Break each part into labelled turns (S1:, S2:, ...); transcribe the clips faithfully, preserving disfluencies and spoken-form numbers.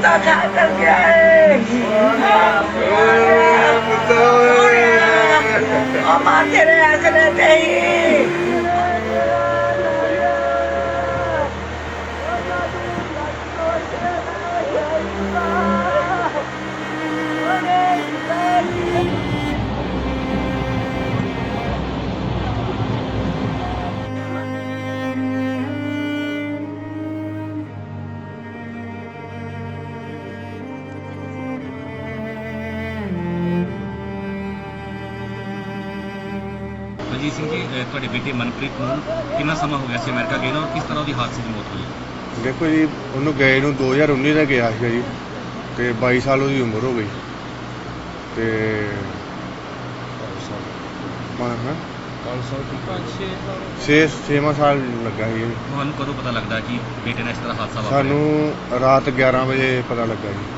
S1: बेटा छाकर गया है तेरे हंसने से ही
S2: ਬਲਜੀਤ ਸਿੰਘ ਜੀ ਅਹ ਤੁਹਾਡੇ ਬੇਟੇ ਮਨਪ੍ਰੀਤ ਨੂੰ ਕਿੰਨਾ ਸਮਾਂ ਹੋ ਗਿਆ ਸੀ ਅਮਰੀਕਾ ਗਏ ਨੂੰ ਔਰ ਕਿਸ ਤਰ੍ਹਾਂ ਉਹਦੀ ਹਾਦਸੇ 'ਚ ਮੌਤ ਹੋਈ?
S3: ਦੇਖੋ ਜੀ, ਉਹਨੂੰ ਗਏ ਨੂੰ ਦੋ ਹਜ਼ਾਰ ਉੱਨੀ ਦਾ ਗਿਆ ਸੀਗਾ ਜੀ, ਤੇ ਬਾਈ ਸਾਲ ਉਹਦੀ ਉਮਰ ਹੋ ਗਈ ਤੇ ਛੇ ਛੇਵਾਂ ਸਾਲ ਲੱਗਾ ਸੀ ਜੀ।
S2: ਤੁਹਾਨੂੰ ਕਦੋਂ ਪਤਾ ਲੱਗਦਾ ਕਿ ਬੇਟੇ ਨਾਲ ਇਸ ਤਰ੍ਹਾਂ ਹਾਦਸਾ ਵਾਪਰਿਆ?
S3: ਸਾਨੂੰ ਰਾਤ ਗਿਆਰਾਂ ਵਜੇ ਪਤਾ ਲੱਗਾ ਜੀ।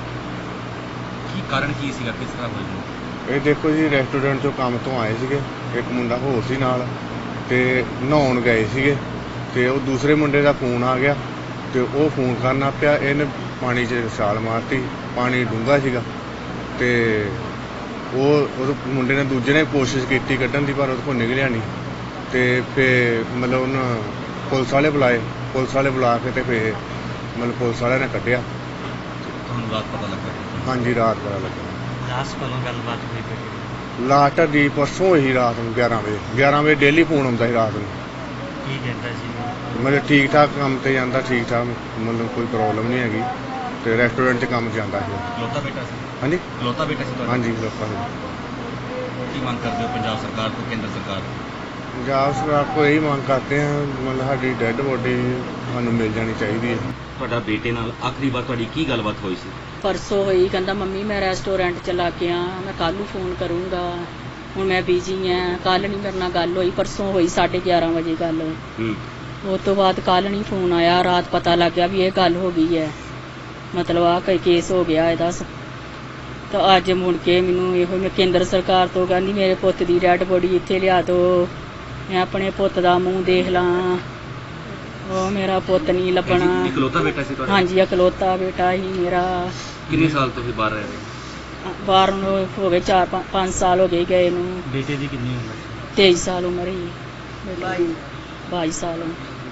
S2: ਕੀ ਕਾਰਨ ਕੀ ਸੀਗਾ, ਕਿਸ ਤਰ੍ਹਾਂ ਹੋਈ?
S3: ਇਹ ਦੇਖੋ ਜੀ, ਰੈਸਟੋਰੈਂਟ 'ਚੋਂ ਕੰਮ ਤੋਂ ਆਏ ਸੀਗੇ, ਇੱਕ ਮੁੰਡਾ ਹੋਰ ਸੀ ਨਾਲ, ਤੇ ਨਹਾਉਣ ਗਏ ਸੀਗੇ, ਤੇ ਉਹ ਦੂਸਰੇ ਮੁੰਡੇ ਦਾ ਫੋਨ ਆ ਗਿਆ, ਤੇ ਉਹ ਫੋਨ ਕਰਨਾ ਪਿਆ, ਇਹਨੇ ਪਾਣੀ 'ਚ ਛਾਲ ਮਾਰਤੀ। ਪਾਣੀ ਡੂੰਘਾ ਸੀਗਾ, ਤੇ ਉਹ ਉਹ ਮੁੰਡੇ ਨੇ ਦੂਜੇ ਨੇ ਕੋਸ਼ਿਸ਼ ਕੀਤੀ ਕੱਢਣ ਦੀ, ਪਰ ਉਹਦੇ ਕੋਲ ਨਿਕਲਿਆ ਨਹੀਂ। ਤੇ ਫਿਰ ਮਤਲਬ ਉਹਨਾਂ ਪੁਲਿਸ ਵਾਲੇ ਬੁਲਾਏ, ਪੁਲਿਸ ਵਾਲੇ ਬੁਲਾ ਕੇ ਤੇ ਫਿਰ ਮਤਲਬ ਪੁਲਿਸ ਵਾਲਿਆਂ ਨੇ ਕੱਢਿਆ।
S2: ਤੁਹਾਨੂੰ ਰਾਤ ਪਤਾ ਲੱਗਾ?
S3: ਹਾਂਜੀ, ਰਾਤ ਪਤਾ ਲੱਗਾ।
S2: ਲਾਸਟ ਕੋਲੋਂ ਗੱਲਬਾਤ ਹੋਈ ਬੇਟੇ?
S3: ਲਾਸਟ ਦੀ ਪਰਸੋਂ ਹੋਈ ਰਾਤ ਨੂੰ ਗਿਆਰਾਂ ਵਜੇ। ਗਿਆਰਾਂ ਵਜੇ ਡੇਲੀ ਫੋਨ ਆਉਂਦਾ ਸੀ ਰਾਤ ਨੂੰ।
S2: ਕੀ ਕਹਿੰਦਾ ਸੀ?
S3: ਮਤਲਬ ਠੀਕ ਠਾਕ ਕੰਮ ਤੇ ਜਾਂਦਾ, ਠੀਕ ਠਾਕ, ਮਤਲਬ ਕੋਈ ਪ੍ਰੋਬਲਮ ਨਹੀਂ ਹੈਗੀ, ਤੇ ਰੈਸਟੋਰੈਂਟ 'ਚ ਕੰਮ ਜਾਂਦਾ ਸੀ।
S2: ਇਕਲੌਤਾ ਬੇਟਾ ਸੀ?
S3: ਹਾਂਜੀ,
S2: ਇਕਲੌਤਾ ਬੇਟਾ ਸੀ ਤੁਹਾਡਾ?
S3: ਹਾਂਜੀ, ਲੋਕਾਂ ਨੂੰ।
S2: ਕੀ ਮੰਗ ਕਰਦੇ ਹੋ ਪੰਜਾਬ ਸਰਕਾਰ ਤੋਂ, ਕੇਂਦਰ ਸਰਕਾਰ ਤੋਂ?
S3: ਪੰਜਾਬ ਸਰਕਾਰ ਕੋਲ ਇਹੀ ਮੰਗ ਕਰਦੇ ਹਾਂ, ਮਤਲਬ ਸਾਡੀ ਡੈੱਡ ਬੋਡੀ ਸਾਨੂੰ ਮਿਲ ਜਾਣੀ ਚਾਹੀਦੀ ਹੈ।
S2: ਤੁਹਾਡਾ ਬੇਟੇ ਨਾਲ ਆਖਰੀ ਵਾਰ ਤੁਹਾਡੀ ਕੀ ਗੱਲਬਾਤ ਹੋਈ ਸੀ?
S4: ਪਰਸੋਂ ਹੋਈ, ਕਹਿੰਦਾ ਮੰਮੀ ਮੈਂ ਰੈਸਟੋਰੈਂਟ ਚ ਲਾ ਕੇ ਆ, ਮੈਂ ਕੱਲ੍ਹ ਨੂੰ ਫੋਨ ਕਰੂੰਗਾ, ਹੁਣ ਮੈਂ ਬਿਜੀ ਹਾਂ, ਕੱਲ੍ਹ ਨਹੀਂ ਮੇਰੇ ਨਾਲ ਗੱਲ ਹੋਈ। ਪਰਸੋਂ ਹੋਈ ਸਾਢੇ ਗਿਆਰਾਂ ਵਜੇ ਗੱਲ।
S2: ਹੂੰ।
S4: ਉਸ ਤੋਂ ਬਾਅਦ ਕੱਲ੍ਹ ਨਹੀਂ ਫੋਨ ਆਇਆ, ਰਾਤ ਪਤਾ ਲੱਗ ਗਿਆ ਵੀ ਇਹ ਗੱਲ ਹੋ ਗਈ ਹੈ, ਮਤਲਬ ਆਹ ਕੋਈ ਕੇਸ ਹੋ ਗਿਆ ਇਹਦਾ। ਤਾਂ ਅੱਜ ਮੁੜ ਕੇ ਮੈਨੂੰ ਇਹੋ ਮੈਂ ਕੇਂਦਰ ਸਰਕਾਰ ਤੋਂ ਕਹਿੰਦੀ ਮੇਰੇ ਪੁੱਤ ਦੀ ਡੈਡ ਬੋਡੀ ਇੱਥੇ ਲਿਆ ਦਿਓ, ਮੈਂ ਆਪਣੇ ਪੁੱਤ ਦਾ ਮੂੰਹ ਦੇਖ ਲਾਂ, ਉਹ ਮੇਰਾ ਪੁੱਤ ਨਹੀਂ ਲੱਭਣਾ।
S2: ਇਕਲੌਤਾ ਬੇਟਾ ਸੀ ਤੁਹਾਡਾ?
S4: ਹਾਂਜੀ, ਇਕਲੌਤਾ ਬੇਟਾ ਹੀ ਮੇਰਾ।
S2: ਕਿੰਨੇ ਸਾਲ ਤੋਂ ਫਿਰ ਬਾਹਰ ਰਹਿ ਰਹੇ?
S4: ਬਾਹਰ ਨੂੰ ਹੋ ਗਏ ਚਾਰ ਪੰਜ ਪੰਜ ਸਾਲ ਹੋ ਗਏ ਗਏ ਨੂੰ।
S2: ਬੇਟੇ ਦੀ ਕਿੰਨੀ ਉਮਰ ਸੀ?
S4: ਤੇਈ ਸਾਲ ਉਮਰ ਹੀ। ਬਾਈ ਬਾਈ ਸਾਲ।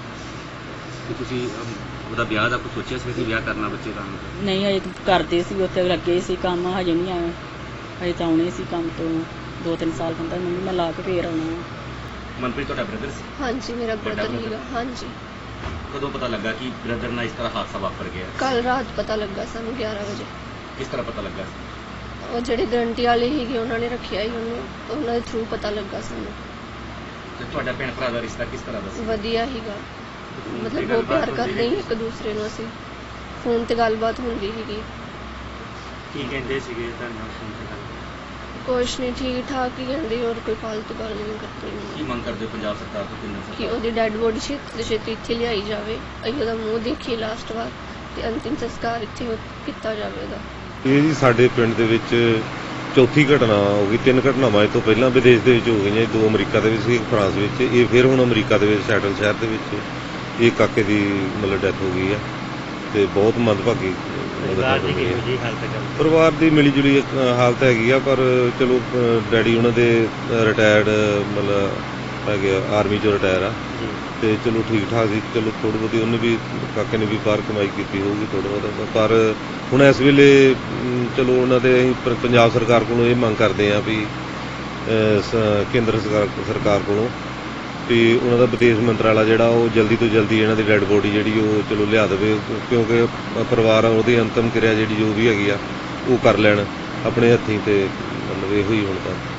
S2: ਤੇ ਤੁਸੀਂ ਅਮ, ਉਹਦਾ ਵਿਆਹ ਦਾ ਕੁਝ ਸੋਚਿਆ ਸੀ ਕਿ ਵਿਆਹ ਕਰਨਾ ਬੱਚੇ ਦਾ?
S4: ਨਹੀਂ, ਹਜੇ ਤਾਂ ਕਰਦੇ ਸੀ, ਉੱਥੇ ਲੱਗੇ ਸੀ ਕੰਮ, ਹਜੇ ਨਹੀਂ ਆਏ, ਹਜੇ ਤਾਂ ਆਉਣੇ ਸੀ ਕੰਮ ਤੋਂ ਦੋ ਤਿੰਨ ਸਾਲ। ਕਹਿੰਦਾ ਮੰਮੀ ਮੈਂ ਲਾ ਕੇ ਫੇਰ ਆਉਣਾ।
S2: ਮਨਪ੍ਰੀਤ ਤੁਹਾਡਾ ਬ੍ਰਦਰ ਸੀ?
S5: ਹਾਂਜੀ, ਮੇਰਾ
S2: ਵੱਡਾ
S5: ਬ੍ਰਦਰ
S2: brother?
S5: ਹੀਗਾ। ਹਾਂਜੀ,
S2: ਕਦੋਂ ਪਤਾ ਲੱਗਾ ਕਿ ਬ੍ਰਦਰ ਨਾਲ ਇਸ ਤਰ੍ਹਾਂ ਹਾਦਸਾ ਵਾਪਰ ਗਿਆ?
S5: ਕੱਲ ਰਾਤ ਪਤਾ ਲੱਗਾ ਸਾਨੂੰ ਗਿਆਰਾਂ ਵਜੇ।
S2: ਕਿਸ ਤਰ੍ਹਾਂ ਪਤਾ ਲੱਗਾ?
S5: ਉਹ ਜਿਹੜੇ ਗਰੰਟੀ ਵਾਲੇ ਸੀਗੇ ਉਹਨਾਂ ਨੇ ਰੱਖਿਆ ਸੀ ਉਹਨੂੰ, ਉਹਨਾਂ ਦੇ ਥਰੂ ਪਤਾ ਲੱਗਾ ਸਾਨੂੰ।
S2: ਤੇ ਤੁਹਾਡਾ ਭੈਣ ਭਰਾ ਦਾ ਰਿਸ਼ਤਾ ਕਿਸ ਤਰ੍ਹਾਂ ਦਾ ਸੀ?
S5: ਵਧੀਆ ਸੀਗਾ, ਮਤਲਬ ਬਹੁਤ ਪਿਆਰ ਕਰਦੇ ਸੀ ਇੱਕ ਦੂਸਰੇ ਨੂੰ। ਅਸੀਂ ਫੋਨ ਤੇ ਗੱਲਬਾਤ ਹੁੰਦੀ ਸੀਗੀ।
S2: ਕੀ ਕਹਿੰਦੇ ਸੀਗੇ ਤੁਹਾਨੂੰ ਫੋਨ ਤੇ ਗੱਲ?
S5: ਕੁਛ ਨਹੀਂ, ਠੀਕ ਠਾਕ ਹੀ ਕਹਿੰਦੇ, ਹੋਰ ਕੋਈ ਫਾਲਤੂ ਗੱਲ ਨਹੀਂ
S2: ਕੀ
S5: ਕਰਦੇ।
S2: ਮੰਗ ਕਰਦੇ ਹੋ ਪੰਜਾਬ ਸਰਕਾਰ ਤੋਂ, ਕੇਂਦਰ
S5: ਕਿ
S2: ਸਰਕਾਰ?
S5: ਉਹਦੀ ਡੈਡ ਬੋਡੀ ਛੇਤੀ ਤੋਂ ਛੇਤੀ ਇੱਥੇ ਲਿਆਈ ਜਾਵੇ, ਅਸੀਂ ਉਹਦਾ ਮੂੰਹ ਦੇਖੀਏ ਲਾਸਟ ਵਾਰ, ਤੇ ਅੰਤਿਮ ਸੰਸਕਾਰ ਇੱਥੇ ਹੋ- ਕੀਤਾ ਜਾਵੇ ਉਹਦਾ।
S6: ਇਹ ਜੀ ਸਾਡੇ ਪਿੰਡ ਦੇ ਵਿੱਚ ਚੌਥੀ ਘਟਨਾ ਹੋ ਗਈ। ਤਿੰਨ ਘਟਨਾਵਾਂ ਇਹ ਤੋਂ ਪਹਿਲਾਂ ਵਿਦੇਸ਼ ਦੇ ਵਿੱਚ ਹੋ ਗਈਆਂ, ਦੋ ਅਮਰੀਕਾ ਦੇ ਵਿੱਚ ਸੀ, ਇੱਕ ਫਰਾਂਸ ਵਿੱਚ। ਇਹ ਫਿਰ ਹੁਣ ਅਮਰੀਕਾ ਦੇ ਵਿੱਚ ਸੈਟਲ ਸ਼ਹਿਰ ਦੇ ਵਿੱਚ ਇਹ ਕਾਕੇ ਦੀ ਮਤਲਬ ਡੈਥ ਹੋ ਗਈ ਹੈ, ਤੇ ਬਹੁਤ ਮੰਦਭਾਗੀ
S2: ਪਰਿਵਾਰ ਦੀ ਕਿਹੋ ਜਿਹੀ ਹਾਲਤ ਹੈ?
S6: ਪਰਿਵਾਰ ਦੀ ਮਿਲੀ ਜੁਲੀ ਹਾਲਤ ਹੈਗੀ ਆ, ਪਰ ਚਲੋ ਡੈਡੀ ਉਹਨਾਂ ਦੇ ਰਿਟਾਇਰਡ ਮਤਲਬ ਹੈਗੇ ਆ, ਆਰਮੀ ਚੋਂ ਰਿਟਾਇਰ ਆ, ਤੇ ਚਲੋ ਠੀਕ ਠਾਕ ਸੀ। ਚਲੋ ਥੋੜ੍ਹੀ ਬਹੁਤੀ ਉਹਨੇ ਵੀ, ਕਾਕੇ ਨੇ ਵੀ ਬਾਹਰ ਕਮਾਈ ਕੀਤੀ ਹੋਊਗੀ ਥੋੜ੍ਹਾ ਬਹੁਤਾ, ਪਰ ਹੁਣ ਇਸ ਵੇਲੇ ਅਮ, ਚਲੋ ਉਹਨਾਂ ਦੇ ਅਸੀਂ ਪ- ਪੰਜਾਬ ਸਰਕਾਰ ਕੋਲੋਂ ਇਹ ਮੰਗ ਕਰਦੇ ਹਾਂ ਵੀ ਅਹ, ਸ- ਕੇਂਦਰ ਸਰਕਾਰ ਸਰਕਾਰ ਕੋਲੋਂ ਵੀ ਉਹਨਾਂ ਦਾ ਵਿਦੇਸ਼ ਮੰਤਰਾਲਾ ਜਿਹੜਾ ਉਹ ਜਲਦੀ ਤੋਂ ਜਲਦੀ ਇਹਨਾਂ ਦੀ ਡੈਡ ਬੋਡੀ ਜਿਹੜੀ ਉਹ ਚਲੋ ਲਿਆ ਦੇਵੇ, ਕਿਉਂਕਿ ਪਰਿਵਾਰ ਉਹਦੀ ਅੰਤਮ ਕਿਰਿਆ ਜਿਹੜੀ ਜੋ ਵੀ ਹੈਗੀ ਆ ਉਹ ਕਰ ਲੈਣ ਆਪਣੇ ਹੱਥੀਂ, ਤੇ ਮਤਲਬ ਇਹੋ ਹੀ ਹੁਣ ਤਾਂ